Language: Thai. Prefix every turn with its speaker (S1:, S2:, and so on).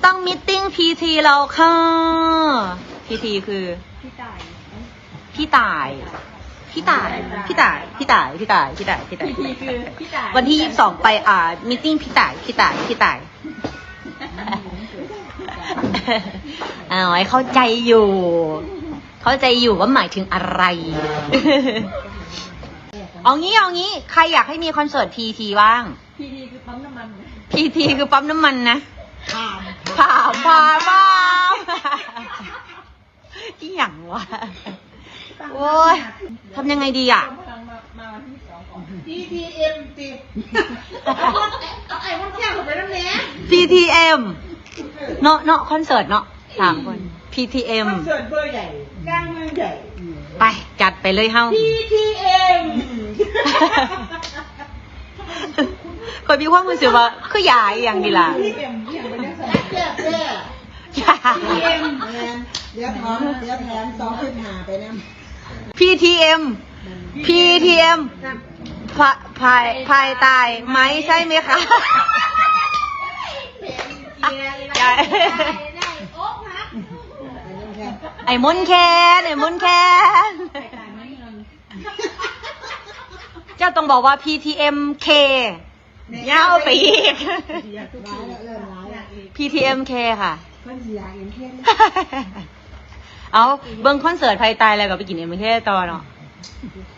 S1: ต้องมิทติ้งพีทีเราค่ะพีทีคือพี่ต่ายพีทีคือพี่ต่ายวันที่22ไปมิทติ้งพี่ต่ายเอาไว้เข้าใจอยู่ว่าหมายถึงอะไร เอางี้ใครอยากให้มีคอนเสิร์ตพีทีบ้างพีทีคือปั๊มน้ำมันนะผ่าที่อย่างวะโอ้ยทำยังไงดีอ่ะ
S2: PTM ติดเอาไอ้คนแค่ผมไปแล้วเนี่ย
S1: PTM เนาะคอนเสิร์ตเนาะ3 คน PTM
S2: คอนเสิร์ตเบอร์ใหญ่กลางเมืองใหญ่
S1: ไปจัดไปเลยเฮ้า
S2: PTM
S1: คนมีความรู้สึกว่าคือยายอย่างดีล่ะ
S2: PTM อย่างเป็นนักแสดงแย่PTM เดี๋ยวแถม2.5ไปนะ
S1: PTM พายตายไหมใช่ไหมคะไอ้มุนแคนเจ้าต้องบอกว่า PTMK ยาวไปอีก PTMK ค่ะเอาเบิ้งคอนเสิร์ตไพตายอะไรก็ไปกินMK ต่อเนาะ